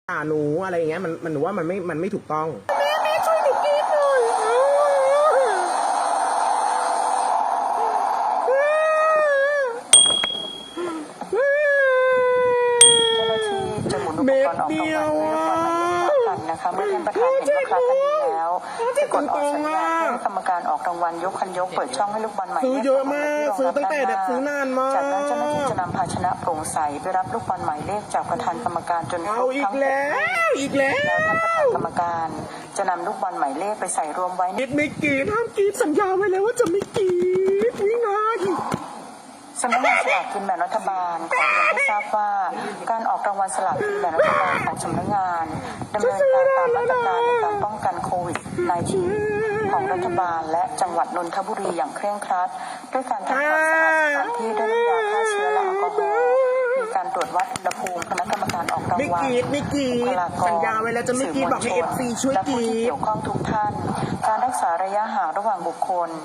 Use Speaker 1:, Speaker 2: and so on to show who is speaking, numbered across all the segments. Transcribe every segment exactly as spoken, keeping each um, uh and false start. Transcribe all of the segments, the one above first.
Speaker 1: ด่าหนูอะไรอย่างเงี้ยมันมันหนูว่ามันไม่มันไม่ถูกต้องแม่แม่ช่วยหนูกินหน่อยเม็ดเดียวอ่ะ
Speaker 2: นะคะเมื่อท่านประธานเห็นว่าคลาดกันดีแล้วจะกดออกสัญญาณให้กรรมการออกรางวัลยกคันยกเปิดช่องให้ลูกบอลใหม่
Speaker 1: ซื้อเยอะมากซื้อตั้งแต่เด็กซื้อนานมาก
Speaker 2: จากนั้นเจ้าหน้าที่จะนำภาชนะโปร่งใสไปรับลูกบอลหมายเลขจากประธานกรรมการจนคร
Speaker 1: เอา
Speaker 2: บ
Speaker 1: อี
Speaker 2: ทั้
Speaker 1: ก
Speaker 2: ง
Speaker 1: แล้วอีกแล้ว
Speaker 2: ท่านประธานกรรมการจะนำลูกบอลหมายเลขไปใส่รวมไว้ใน
Speaker 1: กิดไม่กีดห้ามกีดสัญญาไว้แล้วว่าจะไม่กีดนี่ไง
Speaker 2: สำนักงานสลากกินแบ่งรัฐบาลขอเรียนให้ทราบว่าการออกรางวัลสลากกินแบ่งรัฐบาลของสำนักงานดำเนินการตามมาตรการในการป้องกันโควิด สิบเก้า ของรัฐบาลและจังหวัดนนทบุรีอย่างเคร่งครัดด้วยการทำความสะอาดสถานที่ด้วยน้ำยาฆ่าเชื้อและแอลกอฮอล์มีการตรวจวัดอุณหภูมิคณะกรรมการออกรางวัล
Speaker 1: ไม่กีดไม่กีดสัญญาไว้แล้วจะไม่กีดบอกให้เอฟซีช่วยกีด
Speaker 2: และผู้ที่เกี่ยวข้องทุกท่านการรักษาระยะห่างระหว่างบุคคล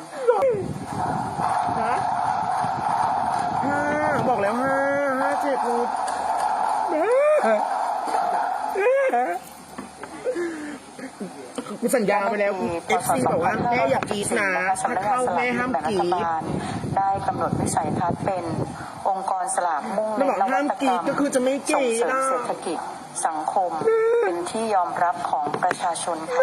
Speaker 1: ห้าบอกแล้วห้าห้าเจ็ดหมดกูสัญญาไปแล้วเอฟซีบอกว่าแม่อยากกีดนะถ้าเข้าแม่ห้ามกีด
Speaker 2: ได้กำหนดวิสัยทัศน์เป็นองค์กรสลากมุ่งเน้นนวัตกรรมส่งเสริมเศรษฐกิจสังคมเป็นที่ยอมรับของประชาชนค่ะ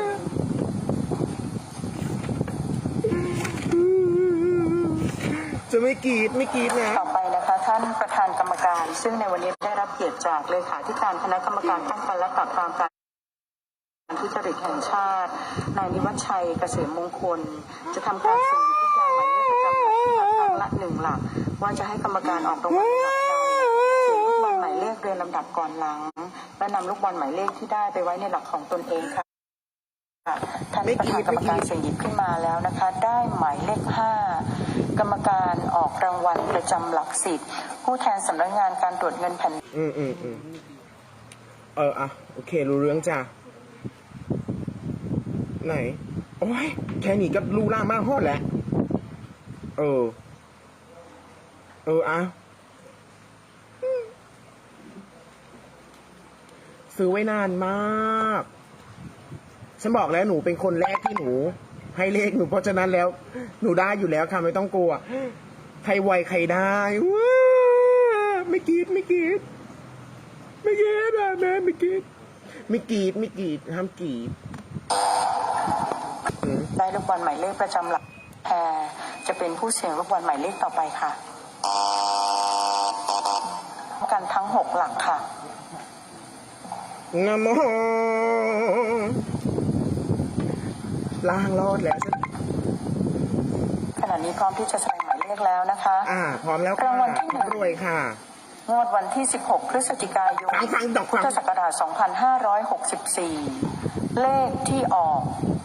Speaker 1: จะไม่กีดไม่กีดนะ
Speaker 2: ต่อไปนะคะท่านประธานกรรมการซึ่งในวันนี้ได้รับเกียรติจากเลขาธิการคณะกรรมการป้องกันและปราบปรามการทุจริตแห่งชาตินายนิวัฒชัยเกษมมงคลจะทำการสุ่มหยิบลูกยางหมายเลขประจำหลักที่ครั้งละหนึ่งหลักว่าจะให้กรรมการออกรางวัลหลักใดเสียงลูกบอลหมายเลขเรียงลำดับก่อนหลังและนำลูกบอลหมายเลขที่ได้ไปไว้ในหลักของตนเองค่ะท่านประธานกรรมการเสียงหยิบขึ้นมาแล้วนะคะได้หมายเลขห้ากรรมการออกรางวัลประจำหลักสิบผู้แทนสำนักงานการตรวจเงินแผ่นดิน
Speaker 1: อืมอืมอืมเอออ่ะโอเครู้เรื่องจ้ะไหนโอ้ยแค่นี้ก็รู้ล่ามากฮอดแล้วเออเอออ่ะซื้อไว้นานมากฉันบอกแล้วหนูเป็นคนแรกที่หนูให้เลขหนูเพราะฉะนั้นแล้วหนูได้อยู่แล้วค่ะไม่ต้องกลัวใครไวใครได้ว้าไม่กีดไม่กีดไม่กีดอ่ะแม่ไม่กีดไม่กีดไม่กีดห้ามกีด
Speaker 2: ได้ลูกบอลหมายเลขประจำหลักแพรจะเป็นผู้เสี่ยงลูกบอลหมายเลขต่อไปค่ะกันทั้งหกหลักค่ะ
Speaker 1: นะโมล่างรอดแล้ว
Speaker 2: ขณะนี้พร้อมที่จะแสดงหมายเลขแล้วนะคะ
Speaker 1: อ่าพร้อมแล้ว
Speaker 2: รางวัลที่หนึ่ง
Speaker 1: รวยค่ะ
Speaker 2: งวดวันที่สิบหกพฤศจิกายนพุทธศักราชสองพันห้าร้อยหกสิบสี่เลขที่ออก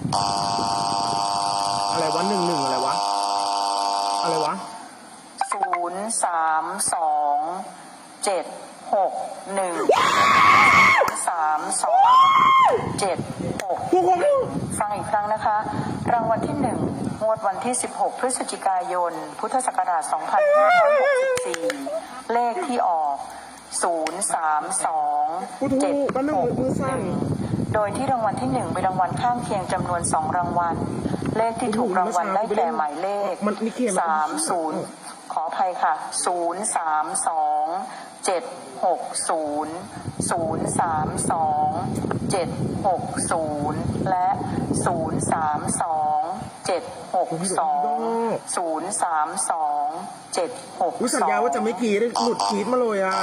Speaker 1: อะไรวะหนึ่งหนึ่งอะไรวะอะไรวะ
Speaker 2: ศูนย์สามสองเจ็ดหกหนึ่งสามสองเจ็ดหกฟังอีกครั้งนะคะรางวัลที่หนึ่งงวดวันที่สิบหกพฤศจิกายนพุทธศักราชสองพันห้าร้อยหกสิบสี่เลขที่ออกศูนย์สามสองเจ็ดหกหนึ่งโดยที่รางวัลที่หนึ่งเป็นรางวัลข้างเคียงจำนวนสองรางวัลเลขที่ถูกรางวัลได้แก่หมายเลขสามศูนย์ขออภัยค่ะศูนย์สามสองเจ็ดหกศูนย์ศูนย์สามสองเจ็ดหกศูนย์และศูนย์สามสองเจ็ดหกสองศูนย์สามสองเจ็ดหกสอง
Speaker 1: สัญญาว่าจะไม่กีดหลุดกีดมาเลยอ่ะ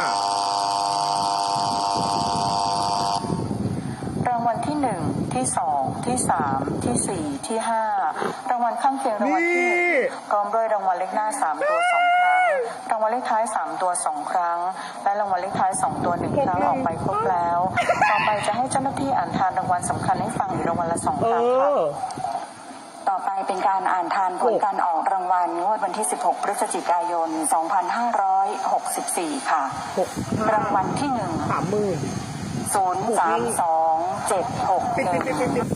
Speaker 2: รางวัลที่หนึ่งที่สองที่สามที่สี่ที่ห้ารางวัลข้างเคียงรางวัลที่หนึ่งพร้อมด้วยรางวัลเลขหน้าสามตัวสองครั้งรางวัลเลขท้ายสามตัวสองครั้งและรางวัลเลขท้ายสองตัวหนึ่งครั้งออกไปครบแล้วต่อไปจะให้เจ้าหน้าที่อ่านทานรางวัลสำคัญให้ฟังอีกรางวัลละสองครั้งค่ะต่อไปเป็นการอ่านทานผลการออกรางวัลงวดวันที่สิบหกพฤศจิกายนสองพันห้าร้อยหกสิบสี่ค่ะรางวัลที่หนึ่ง
Speaker 1: สามหมื่น
Speaker 2: ศูนย์สามสองเจ็ดหกหนึ่ง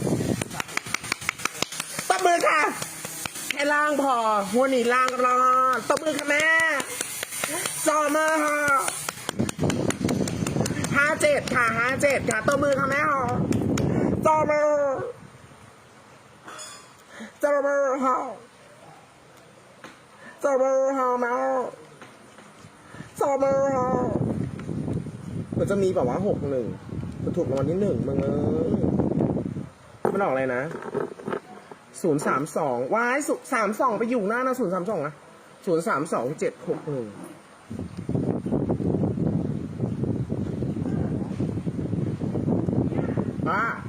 Speaker 1: ตบมือค่ะให้ล่างพอหัวหนีล่างรอตบมือค่ะแม่ซอมาค่ะห้าเจ็ดค่ะห้าเจ็ดค่ะตัวมือค่ะแม่หอตัวมือตัวมือหอตัวมือหอแม่ตัวมือหอมันจะมีแบบว่าหกหนึ่งมันถูกรางวัลที่หนึ่งมึงเอ้ยมันออกอะไรนะศูนย์สามสองว้ายศูนย์สามสองไปอยู่หน้านะศูนย์สามสองนะศูนย์สามสองเจ็ดหกหนึ่งป้า